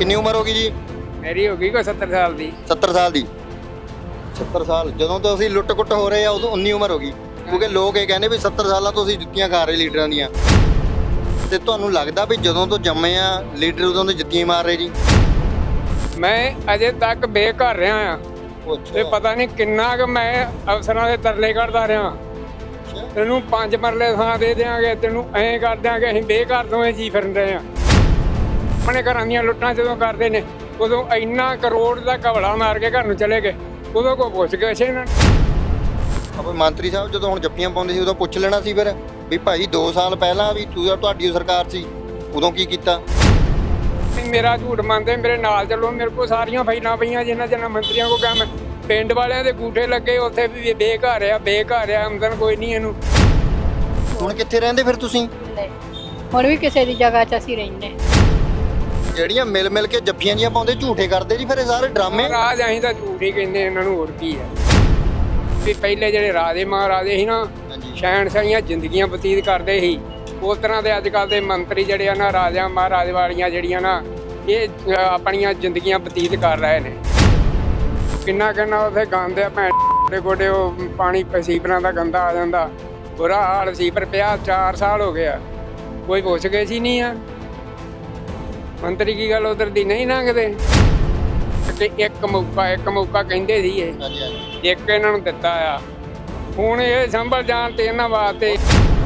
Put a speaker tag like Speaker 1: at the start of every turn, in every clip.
Speaker 1: ਕਿੰਨੀ ਉਮਰ ਹੋ ਗਈ ਜੀ?
Speaker 2: ਮੇਰੀ ਹੋ ਗਈ ਕੋਈ 70 ਸਾਲ ਦੀ।
Speaker 1: 70 ਸਾਲ ਦੀ। 70 ਸਾਲ ਜਦੋਂ ਤੋਂ ਅਸੀਂ ਲੁੱਟ-ਕੁੱਟ ਹੋ ਰਹੇ ਆ ਉਦੋਂ 19 ਉਮਰ ਹੋ ਗਈ, ਕਿਉਂਕਿ ਲੋਕ ਇਹ ਕਹਿੰਦੇ ਵੀ 70 ਸਾਲਾਂ ਤੋਂ ਅਸੀਂ ਜੁੱਤੀਆਂ ਖਾ ਰਹੇ ਲੀਡਰਾਂ ਦੀਆਂ। ਤੇ ਤੁਹਾਨੂੰ ਲੱਗਦਾ ਵੀ ਜਦੋਂ ਤੋਂ ਜੰਮੇ ਆ ਲੀਡਰ ਉਦੋਂ ਤੋਂ ਜੁੱਤੀਆਂ ਮਾਰ ਰਹੇ ਜੀ?
Speaker 2: ਮੈਂ ਅਜੇ ਤੱਕ ਬੇਘਰ ਰਿਹਾ ਆ ਤੇ ਪਤਾ ਨਹੀਂ ਕਿੰਨਾ ਕੁ ਮੈਂ ਅਫਸਰਾਂ ਦੇ ਤਰਲੇ ਕੱਢਦਾ ਰਿਹਾ। ਤੈਨੂੰ 5 ਮਰਲੇ ਥਾਂ ਦੇ ਦਿਆਂਗੇ, ਤੈਨੂੰ ਐਂ ਕਰ ਦਿਆਂਗੇ, ਅਸੀਂ ਬੇਘਰ ਦੋਵੇਂ ਜੀ ਫਿਰਨ ਰਹੇ ਆ। ਆਪਣੇ ਘਰਾਂ ਦੀਆਂ ਲੁੱਟਾਂ ਜਦੋਂ ਕਰਦੇ ਨੇ ਉਦੋਂ ਇੰਨਾ ਕਰੋੜ ਦਾ ਘਵਲਾ ਮਾਰ ਕੇ ਘਰ ਨੂੰ ਚਲੇ ਗਏ, ਉਦੋਂ ਕੋ ਪੁੱਛ ਗਏ ਸੀ ਇਹਨਾਂ ਨੇ।
Speaker 1: ਆਪਣੇ ਮੰਤਰੀ ਸਾਹਿਬ ਜਦੋਂ ਹੁਣ ਜੱਫੀਆਂ ਪਾਉਂਦੇ ਸੀ ਉਦੋਂ ਪੁੱਛ ਲੈਣਾ ਸੀ ਫਿਰ ਵੀ ਭਾਈ 2 ਸਾਲ ਪਹਿਲਾਂ ਵੀ ਤੁਹਾਡੀ ਸਰਕਾਰ ਸੀ ਉਦੋਂ ਕੀ ਕੀਤਾ?
Speaker 2: ਮੇਰਾ ਝੂਠ ਮੰਨਦੇ, ਮੇਰੇ ਨਾਲ ਚੱਲੋ, ਮੇਰੇ ਕੋਲ ਸਾਰੀਆਂ ਫਾਈਲਾਂ ਪਈਆਂ ਜਿਨ੍ਹਾਂ ਮੰਤਰੀਆਂ ਕੋ ਕਿਹਾ ਮੈਂ। ਪਿੰਡ ਵਾਲਿਆਂ ਦੇ ਗੂਠੇ ਲੱਗੇ ਉੱਥੇ ਵੀ ਬੇਘਰ ਆ, ਆਮਦਨ ਕੋਈ ਨਹੀਂ ਇਹਨੂੰ।
Speaker 1: ਹੁਣ ਕਿੱਥੇ ਰਹਿੰਦੇ ਫਿਰ ਤੁਸੀਂ?
Speaker 3: ਹੁਣ ਵੀ ਕਿਸੇ ਦੀ ਜਗ੍ਹਾ 'ਚ ਅਸੀਂ ਰਹਿੰਦੇ।
Speaker 1: ਜਿਹੜੀਆਂ ਮਿਲ ਕੇ ਜੱਫੀਆਂ ਜੀਆਂ ਪਾਉਂਦੇ ਝੂਠੇ ਕਰਦੇ ਜੀ ਫਿਰ ਇਹ ਸਾਰੇ ਡਰਾਮੇ।
Speaker 2: ਰਾਜ ਅਸੀਂ ਤਾਂ ਝੂਠ ਹੀ ਕਹਿੰਦੇ ਇਹਨਾਂ ਨੂੰ, ਹੋਰ ਕੀ ਹੈ। ਵੀ ਪਹਿਲੇ ਜਿਹੜੇ ਰਾਜੇ ਮਹਾਰਾਜੇ ਸੀ ਨਾ, ਸ਼ਹਿਨਸ਼ਾਹੀਆਂ ਜ਼ਿੰਦਗੀਆਂ ਬਤੀਤ ਕਰਦੇ ਸੀ। ਉਸ ਤਰ੍ਹਾਂ ਦੇ ਅੱਜ ਕੱਲ੍ਹ ਦੇ ਮੰਤਰੀ ਜਿਹੜੇ ਆ ਨਾ, ਰਾਜਾ ਮਹਾਰਾਜ ਵਾਲੀਆਂ ਜਿਹੜੀਆਂ ਨਾ, ਇਹ ਆਪਣੀਆਂ ਜ਼ਿੰਦਗੀਆਂ ਬਤੀਤ ਕਰ ਰਹੇ ਨੇ। ਕਿੰਨਾ ਉੱਥੇ ਗੰਦ ਆ ਭੈਣ ਦੇ ਗੋਡੇ, ਉਹ ਪਾਣੀ ਸੀਵਰਾਂ ਦਾ ਗੰਦਾ ਆ ਜਾਂਦਾ, ਬੁਰਾ ਹਾਲ। ਸੀਵਰ ਪਿਆ 4 ਸਾਲ ਹੋ ਗਿਆ, ਕੋਈ ਪੁੱਛ ਗਏ ਸੀ ਨਹੀਂ ਆ। ਮੰਤਰੀ ਕੀ ਗੱਲ ਉਧਰ ਦੀ ਨਹੀਂ ਲੰਘਦੇ? ਤੇ ਇੱਕ ਮੌਕਾ ਕਹਿੰਦੇ ਸੀ ਇਹ, ਇੱਕ ਇਹਨਾਂ ਨੂੰ ਦਿੱਤਾ ਆ। ਹੁਣ ਇਹ ਸੰਭਲ ਜਾਣ ਤੇ ਇਹਨਾਂ ਵਾਸਤੇ।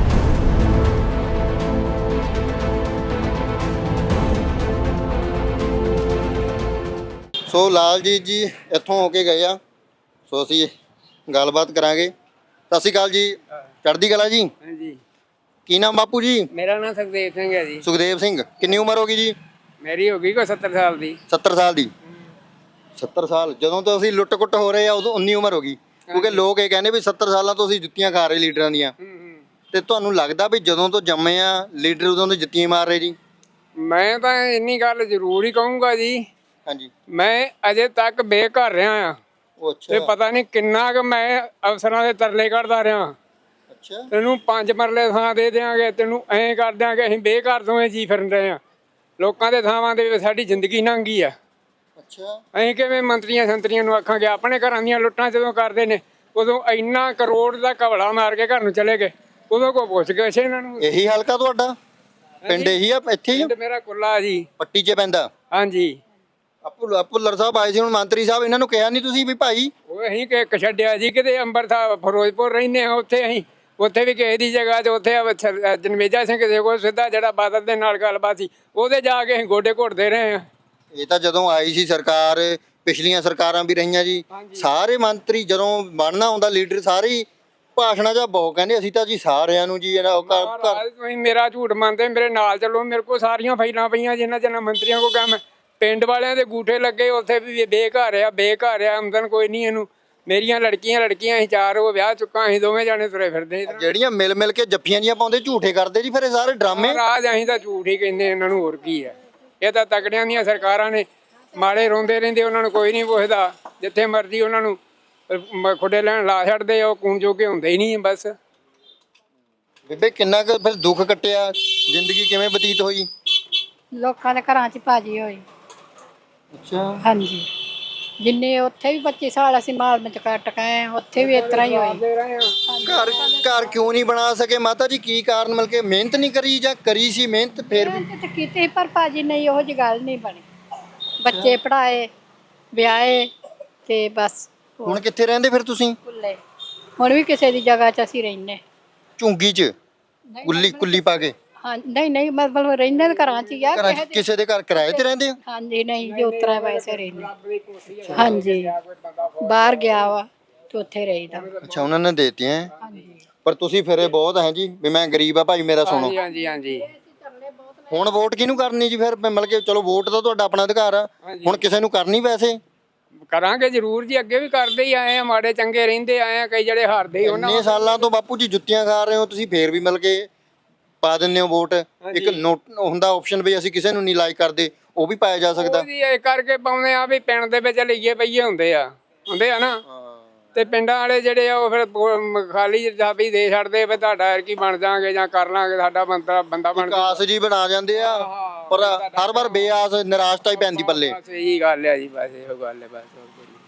Speaker 1: ਸੋ ਲਾਲਜੀਤ ਜੀ ਇੱਥੋਂ ਹੋ ਕੇ ਗਏ ਆ, ਸੋ ਅਸੀਂ ਗੱਲਬਾਤ ਕਰਾਂਗੇ। ਸਤਿ ਸ਼੍ਰੀ ਅਕਾਲ ਜੀ। ਚੜ੍ਹਦੀ ਕਲਾ ਜੀ।
Speaker 2: ਹਾਂਜੀ।
Speaker 1: ਕੀ ਨਾਮ ਬਾਪੂ ਜੀ?
Speaker 2: ਮੇਰਾ ਨਾਮ ਸੁਖਦੇਵ ਸਿੰਘ ਹੈ ਜੀ।
Speaker 1: ਸੁਖਦੇਵ ਸਿੰਘ। ਕਿੰਨੀ ਉਮਰ ਹੋ ਗਈ ਜੀ?
Speaker 2: ਮੇਰੀ ਹੋ ਗਈ ਕੋਈ 70 ਸਾਲ ਦੀ।
Speaker 1: 70 ਸਾਲ ਦੀ। 70 ਸਾਲ ਜਦੋਂ ਤੋਂ ਅਸੀਂ ਲੁੱਟ-ਕੁੱਟ ਹੋ ਰਹੇ ਆ ਉਦੋਂ 19 ਉਮਰ ਹੋ ਗਈ, ਕਿਉਂਕਿ ਲੋਕ ਇਹ ਕਹਿੰਦੇ ਵੀ 70 ਸਾਲਾਂ ਤੋਂ ਅਸੀਂ ਜੁੱਤੀਆਂ ਖਾ ਰਹੇ ਲੀਡਰਾਂ ਦੀਆਂ। ਤੇ ਤੁਹਾਨੂੰ ਲੱਗਦਾ ਵੀ ਜਦੋਂ ਤੋਂ ਜੰਮੇ ਆ ਲੀਡਰ ਉਦੋਂ ਤੋਂ ਜੁੱਤੀਆਂ ਮਾਰ ਰਹੇ ਜੀ?
Speaker 2: ਮੈਂ ਤਾਂ ਇੰਨੀ ਗੱਲ ਜ਼ਰੂਰ ਹੀ ਕਹੂੰਗਾ ਜੀ,
Speaker 1: ਹਾਂਜੀ।
Speaker 2: ਮੈਂ ਅਜੇ ਤੱਕ ਬੇਘਰ ਰਿਹਾ ਆ ਤੇ ਪਤਾ ਨਹੀਂ ਕਿੰਨਾ ਕੁ ਮੈਂ ਅਫਸਰਾਂ ਦੇ ਤਰਲੇ ਕੱਢਦਾ ਰਿਹਾ।
Speaker 1: ਅੱਛਾ।
Speaker 2: ਤੈਨੂੰ 5 ਮਰਲੇ ਥਾਂ ਦੇ ਦਿਆਂਗੇ, ਤੈਨੂੰ ਐਂ ਕਰ ਦਿਆਂਗੇ, ਅਸੀਂ ਬੇਘਰ ਦੋਵੇਂ ਜੀ ਫਿਰਨ ਰਹੇ ਆ। ਲੋਕਾਂ ਦੇ ਥਾਵਾਂ ਦੇ ਵਿੱਚ ਸਾਡੀ ਜ਼ਿੰਦਗੀ ਲੰਘੀ ਆ।
Speaker 1: ਅੱਛਾ।
Speaker 2: ਅਸੀਂ ਕਿਵੇਂ ਮੰਤਰੀਆਂ ਸੰਤਰੀਆਂ ਨੂੰ ਆਖਾਂਗੇ? ਆਪਣੇ ਘਰਾਂ ਦੀਆਂ ਲੁੱਟਾਂ ਜਦੋਂ ਕਰਦੇ ਨੇ ਉਦੋਂ ਇੰਨਾ ਕਰੋੜ ਦਾ ਘਵਲਾ ਮਾਰ ਕੇ ਘਰ ਨੂੰ ਚਲੇ ਗਏ, ਉਦੋਂ ਕੋ ਪੁੱਛ ਗਏ ਸੀ ਇਹਨਾਂ ਨੂੰ।
Speaker 1: ਇਹੀ ਹਲਕਾ ਤੁਹਾਡਾ ਪਿੰਡ? ਇਹੀ ਆ ਇੱਥੇ ਹੀ?
Speaker 2: ਮੇਰਾ ਕੁੱਲਾ ਜੀ।
Speaker 1: ਪੱਟੀ 'ਚ ਪੈਂਦਾ?
Speaker 2: ਹਾਂਜੀ।
Speaker 1: ਭੁੱਲਰ ਸਾਹਿਬ ਆਏ ਸੀ ਹੁਣ, ਮੰਤਰੀ ਸਾਹਿਬ, ਇਹਨਾਂ ਨੂੰ ਕਿਹਾ ਨਹੀਂ ਤੁਸੀਂ ਵੀ ਭਾਈ?
Speaker 2: ਉਹ ਅਸੀਂ ਕਿ ਛੱਡਿਆ ਜੀ ਕਿਤੇ ਅੰਮ੍ਰਿਤਸਰ ਫਿਰੋਜ਼ਪੁਰ ਰਹਿੰਦੇ ਆ, ਉੱਥੇ ਅਸੀਂ ਉੱਥੇ ਵੀ ਕਿਸੇ ਦੀ ਜਗ੍ਹਾ 'ਚ ਉੱਥੇ ਜਨਮੇਜਾ ਸਿੰਘ ਕਿਸੇ ਕੋਲ ਸਿੱਧਾ ਜਿਹੜਾ ਬਾਦਲ ਦੇ ਨਾਲ ਗੱਲਬਾਤ ਸੀ, ਉਹਦੇ ਜਾ ਕੇ ਅਸੀਂ ਗੋਡੇ ਘੁੱਟਦੇ ਰਹੇ ਆ।
Speaker 1: ਇਹ ਤਾਂ ਜਦੋਂ ਆਈ ਸੀ ਸਰਕਾਰ, ਪਿਛਲੀਆਂ ਸਰਕਾਰਾਂ ਵੀ ਰਹੀਆਂ ਜੀ, ਸਾਰੇ ਮੰਤਰੀ ਜਦੋਂ ਬਣਨਾ ਹੁੰਦਾ ਲੀਡਰ ਸਾਰੇ ਹੀ ਭਾਸ਼ਣਾਂ 'ਚ ਬਹੁਤ ਕਹਿੰਦੇ ਅਸੀਂ ਤਾਂ ਜੀ ਸਾਰਿਆਂ ਨੂੰ ਜੀ
Speaker 2: ਤੁਸੀਂ ਮੇਰਾ ਝੂਠ ਮੰਨਦੇ, ਮੇਰੇ ਨਾਲ ਚੱਲੋ, ਮੇਰੇ ਕੋਲ ਸਾਰੀਆਂ ਫਾਈਲਾਂ ਪਈਆਂ ਜਿਨ੍ਹਾਂ ਮੰਤਰੀਆਂ ਕੋ ਕਿਹਾ ਮੈਂ। ਪਿੰਡ ਵਾਲਿਆਂ ਦੇ ਗੂਠੇ ਲੱਗੇ ਉੱਥੇ ਵੀ ਬੇਘਰ ਆ, ਆਮਦਨ ਕੋਈ ਨਹੀਂ ਇਹਨੂੰ। ਮੇਰੀਆਂ ਲੜਕੀਆਂ ਅਸੀਂ 4 ਉਹ ਵਿਆਹ ਚੁੱਕਾ, ਅਸੀਂ ਦੋਵੇਂ ਜਾਣੇ ਤੁਰੇ ਫਿਰਦੇ।
Speaker 1: ਜਿਹੜੀਆਂ ਮਿਲ ਕੇ ਜੱਫੀਆਂ ਜੀਆਂ ਪਾਉਂਦੇ ਝੂਠੇ ਕਰਦੇ ਜੀ ਫਿਰ ਇਹ ਸਾਰੇ ਡਰਾਮੇ।
Speaker 2: ਰਾਜ ਅਸੀਂ ਤਾਂ ਝੂਠ ਹੀ ਕਹਿੰਦੇ ਇਹਨਾਂ ਨੂੰ, ਹੋਰ ਕੀ ਹੈ। ਇਹ ਤਾਂ ਤਕੜਿਆਂ ਦੀਆਂ ਸਰਕਾਰਾਂ ਨੇ, ਮਾੜੇ ਰੋਂਦੇ ਰਹਿੰਦੇ, ਉਹਨਾਂ ਨੂੰ ਕੋਈ ਨਹੀਂ ਪੁੱਛਦਾ। ਜਿੱਥੇ ਮਰਜ਼ੀ ਉਹਨਾਂ ਨੂੰ ਖੁੱਡੇ ਲੈਣ ਲਾ ਛੱਡਦੇ, ਉਹ ਕੂਣ ਜੋਗੇ ਹੁੰਦੇ ਹੀ ਨਹੀਂ ਬਸ।
Speaker 1: ਬੇਬੇ ਕਿੰਨਾ ਕੁ ਫਿਰ ਦੁੱਖ ਕੱਟਿਆ, ਜ਼ਿੰਦਗੀ ਕਿਵੇਂ ਬਤੀਤ ਹੋਈ?
Speaker 3: ਲੋਕਾਂ ਦੇ ਘਰਾਂ 'ਚ ਭਾਜੀ ਹੋਈ।
Speaker 1: ਅੱਛਾ।
Speaker 3: ਹਾਂਜੀ। ਜਿੰਨੇ ਉੱਥੇ ਵੀ 25 ਸਾਲ ਅਸੀਂ ਮਾਲ ਵਿੱਚ ਕੱਟ ਗਏ, ਉੱਥੇ ਵੀ ਇਸ ਤਰ੍ਹਾਂ ਹੀ ਹੋਈ।
Speaker 1: ਘਰ ਕਿਉਂ ਨਹੀਂ ਬਣਾ ਸਕੇ ਮਾਤਾ ਜੀ? ਕੀ ਕਾਰਨ? ਮਿਲ ਕੇ ਮਿਹਨਤ ਨਹੀਂ ਕਰੀ ਜਾਂ ਕਰੀ ਸੀ ਮਿਹਨਤ ਫਿਰ ਵੀ?
Speaker 3: ਮਿਹਨਤ ਕੀਤੀ ਪਰ ਭਾਜੀ ਨਹੀਂ, ਉਹੋ ਜਿਹੀ ਗੱਲ ਨਹੀਂ ਬਣੀ। ਬੱਚੇ ਪੜ੍ਹਾਏ, ਵਿਆਹੇ ਤੇ ਬਸ।
Speaker 1: ਹੁਣ ਕਿੱਥੇ ਰਹਿੰਦੇ ਫਿਰ ਤੁਸੀਂ?
Speaker 3: ਕੁੱਲੇ। ਹੁਣ ਵੀ ਕਿਸੇ ਦੀ ਜਗ੍ਹਾ 'ਚ ਅਸੀਂ ਰਹਿੰਦੇ।
Speaker 1: ਝੁੰਗੀ 'ਚ ਕੁੱਲੀ ਪਾ ਕੇ?
Speaker 3: ਹਾਂ। ਨਹੀਂ ਮਤਲਬ ਰਹਿੰਦੇ ਘਰਾਂ 'ਚ ਹੀ ਆ।
Speaker 1: ਕਿਸੇ ਦੇ ਘਰ ਕਿਰਾਏ ਤੇ ਰਹਿੰਦੇ ਹੋ?
Speaker 3: ਹਾਂਜੀ। ਨਹੀਂ ਜੀ, ਉਤਰਾ ਵੈਸੇ ਰਹਿੰਦੇ। ਹਾਂਜੀ। ਬਾਹਰ ਗਿਆ ਵਾ ਤੇ ਉੱਥੇ ਰਹੀਦਾ।
Speaker 1: ਅੱਛਾ, ਉਹਨਾਂ ਨੇ ਦੇਤੀਆਂ। ਪਰ ਤੁਸੀਂ ਫਿਰੇ ਬਹੁਤ ਹੈ ਜੀ ਵੀ ਮੈਂ ਗਰੀਬ ਆ ਭਾਈ ਮੇਰਾ ਸੁਣੋ।
Speaker 2: ਹਾਂਜੀ।
Speaker 1: ਹੁਣ ਵੋਟ ਕਿਹਨੂੰ ਕਰਨੀ ਜੀ ਫਿਰ? ਮਤਲਬ ਕਿ ਚਲੋ ਵੋਟ ਤਾਂ ਤੁਹਾਡਾ ਆਪਣਾ ਅਧਿਕਾਰ ਆ, ਹੁਣ ਕਿਸੇ ਨੂੰ ਕਰਨੀ ਵੈਸੇ?
Speaker 2: ਕਰਾਂਗੇ ਜ਼ਰੂਰ ਜੀ, ਅੱਗੇ ਵੀ ਕਰਦੇ ਹੀ ਆਏ ਆ, ਮਾੜੇ ਚੰਗੇ ਰਹਿੰਦੇ ਆਏ ਆ, ਕਈ ਜਿਹੜੇ ਹਾਰਦੇ ਹੀ।
Speaker 1: ਇੰਨੇ ਸਾਲਾਂ ਤੋਂ ਬਾਪੂ ਜੀ ਜੁੱਤੀਆਂ ਖਾ ਰਹੇ ਹੋ ਤੁਸੀਂ, ਫੇਰ ਵੀ ਮਿਲ ਕੇ ਪਾ ਦਿੰਦੇ ਹੋ ਵੋਟ। ਇੱਕ ਨੋਟ ਹੁੰਦਾ ਆਪਸ਼ਨ ਵੀ ਅਸੀਂ ਕਿਸੇ ਨੂੰ ਨਹੀਂ ਲਾਈਕ ਕਰਦੇ, ਉਹ ਵੀ ਪਾਇਆ ਜਾ ਸਕਦਾ।
Speaker 2: ਇਹ ਕਰਕੇ ਪਾਉਂਦੇ ਆ ਵੀ ਪਿੰਡ ਦੇ ਵਿੱਚ ਲਈਏ ਪਈਏ ਹੁੰਦੇ ਆ ਨਾ। ਤੇ ਪਿੰਡਾਂ ਵਾਲੇ ਜਿਹੜੇ ਆ ਉਹ ਫਿਰ ਖਾਲੀ ਜਾਬੀ ਦੇ ਛੱਡਦੇ ਵੀ ਤੁਹਾਡਾ ਕੀ ਬਣ ਜਾਾਂਗੇ ਜਾਂ ਕਰ ਲਾਂਗੇ ਸਾਡਾ ਬੰਦਾ ਬਣ
Speaker 1: ਆਸ ਜੀ ਬਣਾ ਜਾਂਦੇ ਆ ਪਰ ਹਰ ਵਾਰ ਬੇਆਸ ਨਿਰਾਸ਼ਤਾ ਹੀ ਪੈਂਦੀ ਪੱਲੇ।
Speaker 2: ਬਸ ਇਹੀ ਗੱਲ ਹੈ ਜੀ, ਬਸ ਇਹੋ ਗੱਲ ਹੈ, ਬਸ ਹੋਰ ਕੋਈ ਨਹੀਂ।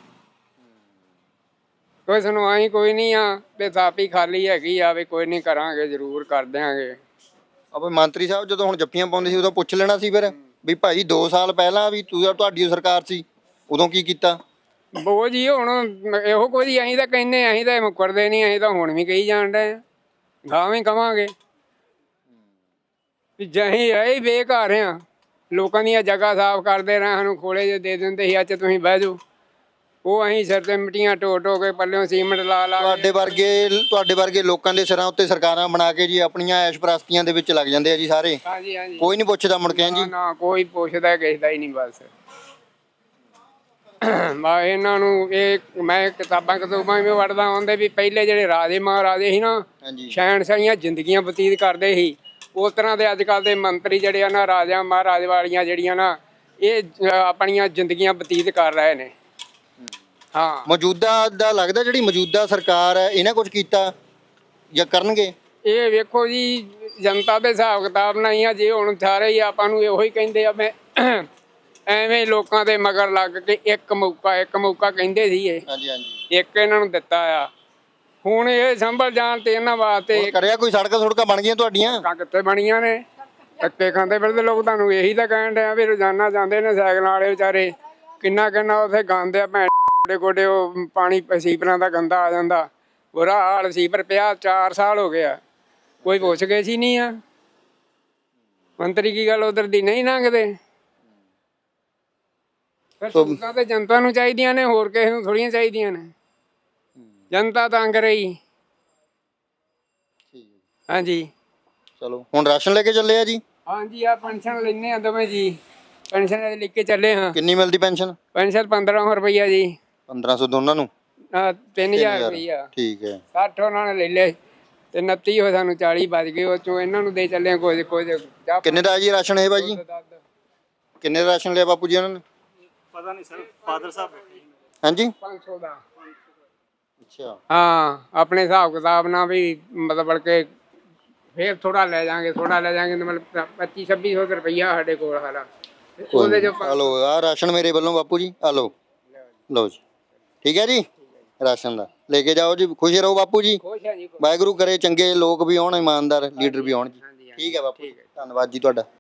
Speaker 2: ਕੋਈ ਸੁਣਵਾਈ ਕੋਈ ਨਹੀਂ ਆ ਵੀ ਥਾਪੀ ਖਾਲੀ ਹੈਗੀ ਆ ਵੀ ਕੋਈ ਨਹੀਂ ਕਰਾਂਗੇ ਜ਼ਰੂਰ ਕਰ ਦਿਆਂਗੇ।
Speaker 1: ਆਪੇ ਮੰਤਰੀ ਸਾਹਿਬ ਜਦੋਂ ਹੁਣ ਜੱਫੀਆਂ ਪਾਉਂਦੇ ਸੀ ਉਦੋਂ ਪੁੱਛ ਲੈਣਾ ਸੀ ਫਿਰ ਵੀ ਭਾਈ 2 ਸਾਲ ਪਹਿਲਾਂ ਵੀ ਤੁਹਾਡੀ ਸਰਕਾਰ ਸੀ ਉਦੋਂ ਕੀ ਕੀਤਾ?
Speaker 2: ਬੋ ਜੀ ਹੁਣ ਇਹੋ ਕੁਝ ਅਸੀਂ ਤਾਂ ਕਹਿੰਦੇ, ਅਸੀਂ ਤਾਂ ਮੁੱਕਰਦੇ ਨਹੀਂ, ਅਸੀਂ ਤਾਂ ਹੁਣ ਵੀ ਕਹੀ ਜਾਣ ਡਏ ਗਾਂ ਵੀ ਕਵਾਂਗੇ ਵੀ ਜਹੀਂ ਰਹੇ ਬੇਘਰ ਆ, ਲੋਕਾਂ ਦੀਆਂ ਜਗ੍ਹਾ ਸਾਫ਼ ਕਰਦੇ ਰਹੇ, ਸਾਨੂੰ ਖੋਲੇ ਜੇ ਦੇ ਦਿੰਦੇ ਸੀ ਅੱਜ ਤੁਸੀਂ ਬਹਿ ਜਾਓ, ਉਹ ਅਸੀਂ ਸਿਰ ਤੇ ਮਿੱਟੀਆਂ ਢੋ ਢੋ ਕੇ ਪੱਲਿਓਂ ਸੀਮੈਂਟ ਲਾ ਲਾ
Speaker 1: ਤੁਹਾਡੇ ਵਰਗੇ ਲੋਕਾਂ ਦੇ ਸਿਰਾਂ ਉੱਤੇ ਸਰਕਾਰਾਂ ਬਣਾ ਕੇ ਜੀ ਆਪਣੀਆਂ ਐਸ਼ਪ੍ਰਸਤੀਆਂ ਦੇ ਵਿੱਚ ਲੱਗ ਜਾਂਦੇ ਆ ਜੀ ਸਾਰੇ।
Speaker 2: ਹਾਂਜੀ ਹਾਂਜੀ,
Speaker 1: ਕੋਈ ਨਹੀਂ ਪੁੱਛਦਾ ਮੁੜ ਕੇ ਜੀ।
Speaker 2: ਨਾ ਕੋਈ ਪੁੱਛਦਾ ਕਿਸੇ ਦਾ ਹੀ ਨਹੀਂ। ਬਸ ਮੈਂ ਇਹਨਾਂ ਨੂੰ ਇਹ ਮੈਂ ਕਿਤਾਬਾਂ ਵੀ ਪੜ੍ਹਦਾ ਹੁੰਦੇ ਵੀ ਪਹਿਲੇ ਜਿਹੜੇ ਰਾਜੇ ਮਹਾਰਾਜੇ ਸੀ ਨਾ, ਸ਼ਹਿਨਸ਼ਾਹੀਆਂ ਜ਼ਿੰਦਗੀਆਂ ਬਤੀਤ ਕਰਦੇ ਸੀ, ਉਸ ਤਰ੍ਹਾਂ ਦੇ ਅੱਜ ਕੱਲ੍ਹ ਦੇ ਮੰਤਰੀ ਜਿਹੜੇ ਆ ਨਾ, ਰਾਜਾ ਮਹਾਰਾਜ ਵਾਲੀਆਂ ਜਿਹੜੀਆਂ ਨਾ, ਇਹ ਆਪਣੀਆਂ ਜ਼ਿੰਦਗੀਆਂ ਬਤੀਤ ਕਰ ਰਹੇ ਨੇ। ਹਾਂ,
Speaker 1: ਮੌਜੂਦਾ ਦਾ ਲੱਗਦਾ ਜਿਹੜੀ ਮੌਜੂਦਾ ਸਰਕਾਰ ਹੈ ਇਹਨਾਂ ਕੁਝ ਕੀਤਾ ਜਾਂ ਕਰਨਗੇ?
Speaker 2: ਇਹ ਵੇਖੋ ਜੀ, ਜਨਤਾ ਦੇ ਹਿਸਾਬ ਕਿਤਾਬ ਨਾਲ ਹੀ ਆ। ਜੇ ਹੁਣ ਸਾਰੇ ਹੀ ਆਪਾਂ ਨੂੰ ਇਹੋ ਹੀ ਕਹਿੰਦੇ ਆ, ਮੈਂ ਐਵੇਂ ਲੋਕਾਂ ਦੇ ਮਗਰ ਲੱਗ ਕੇ ਇੱਕ ਮੌਕਾ ਕਹਿੰਦੇ ਸੀ ਇਹ, ਇੱਕ ਇਹਨਾਂ ਨੂੰ ਦਿੱਤਾ ਆ। ਹੁਣ ਇਹ ਸੰਭਲ ਜਾਣ ਤੇ ਇਹਨਾਂ ਵਾਸਤੇ
Speaker 1: ਕਰਿਆ ਕੋਈ ਸੜਕਾਂ ਬਣ ਗਈਆਂ ਤੁਹਾਡੀਆਂ?
Speaker 2: ਕਿੱਥੇ ਬਣੀਆਂ ਨੇ? ਧੱਕੇ ਖਾਂਦੇ ਫਿਰਦੇ ਲੋਕ। ਤੁਹਾਨੂੰ ਇਹੀ ਤਾਂ ਕਹਿਣ ਡਿਆ ਵੀ ਰੋਜ਼ਾਨਾ ਜਾਂਦੇ ਨੇ ਸਾਈਕਲਾਂ ਵਾਲੇ ਵਿਚਾਰੇ, ਕਿੰਨਾ ਉੱਥੇ ਗਾਉਂਦੇ ਆ ਭੈਣ ਗੋਡੇ ਉਹ ਪਾਣੀ ਸੀਪਰਾਂ ਦਾ ਗੰਦਾ ਆ ਜਾਂਦਾ, ਬੁਰਾ ਹਾਲ। ਸੀਪਰ ਪਿਆ 4 ਸਾਲ ਹੋ ਗਿਆ, ਕੋਈ ਪੁੱਛ ਗਏ ਸੀ ਨਹੀਂ ਆ। ਮੰਤਰੀ ਕੀ ਗੱਲ ਉਧਰ ਦੀ ਨਹੀਂ ਲੰਘਦੇ? ਫਿਰ ਸਹੂਲਤਾਂ ਤੇ ਜਨਤਾ ਨੂੰ ਚਾਹੀਦੀਆਂ ਨੇ, ਹੋਰ ਕਿਸੇ ਨੂੰ ਥੋੜੀਆਂ ਚਾਹੀਦੀਆਂ ਨੇ। ਜਨਤਾ ਤੰਗ ਰਹੀ। ਹਾਂਜੀ,
Speaker 1: ਚਲੋ ਹੁਣ ਰਾਸ਼ਨ ਲੈ ਕੇ ਚੱਲੇ ਆ ਜੀ?
Speaker 2: ਹਾਂਜੀ, ਆ ਪੈਨਸ਼ਨ ਲੈਣੇ ਆ ਦੋਵੇਂ ਜੀ, ਪੈਨਸ਼ਨ ਲੈ ਕੇ ਚੱਲੇ ਹਾਂ।
Speaker 1: ਕਿੰਨੀ ਮਿਲਦੀ ਪੈਨਸ਼ਨ?
Speaker 2: ਪੈਨਸ਼ਨ 1500 ਰੁਪਈਆ ਜੀ।
Speaker 1: 1500 ਦੋਨਾਂ ਨੂੰ?
Speaker 2: 3000 ਰੁਪਈਆ।
Speaker 1: ਠੀਕ ਹੈ।
Speaker 2: 60 ਉਹਨਾਂ ਨੇ ਲੈ ਲਏ ਤੇ 29 ਹੋ ਸਾਨੂੰ 40 ਬਚ ਗਏ, ਉਹ ਚੋਂ ਇਹਨਾਂ ਨੂੰ ਦੇ ਚੱਲੇ ਕੁਝ।
Speaker 1: ਕਿੰਨੇ ਦਾ ਜੀ ਰਾਸ਼ਨ ਹੈ ਭਾਜੀ? ਕਿੰਨੇ ਦਾ ਰਾਸ਼ਨ ਲਿਆ ਬਾਪੂ ਜੀ ਉਹਨਾਂ ਨੇ?
Speaker 4: ਪਤਾ ਨਹੀਂ ਸਰ, ਫਾਦਰ ਸਾਹਿਬ
Speaker 1: ਹਾਂਜੀ
Speaker 2: 500 ਦਾ।
Speaker 1: ਅੱਛਾ,
Speaker 2: ਹਾਂ, ਆਪਣੇ ਹਿਸਾਬ ਕਿਤਾਬ ਨਾਲ ਵੀ ਮਤਲਬ ਕਿ ਫੇਰ ਥੋੜਾ ਲੈ ਜਾਾਂਗੇ ਮਤਲਬ 2500 ਰੁਪਈਆ ਸਾਡੇ ਕੋਲ ਹਾਲਾ। ਉਹਦੇ ਜੋ
Speaker 1: ਆ ਲਓ ਆ ਰਾਸ਼ਨ ਮੇਰੇ ਵੱਲੋਂ ਬਾਪੂ ਜੀ, ਆ ਲਓ ਲਓ ਜੀ। ਠੀਕ ਹੈ ਜੀ, ਰਾਸ਼ਨ ਦਾ ਲੈ ਕੇ ਜਾਓ ਜੀ, ਖੁਸ਼ ਰਹੋ ਬਾਪੂ ਜੀ। ਵਾਹਿਗੁਰੂ ਕਰੇ ਚੰਗੇ ਲੋਕ ਵੀ ਆਉਣ, ਇਮਾਨਦਾਰ ਲੀਡਰ ਵੀ ਆਉਣ ਜੀ। ਠੀਕ ਹੈ ਬਾਪੂ, ਧੰਨਵਾਦ ਜੀ ਤੁਹਾਡਾ।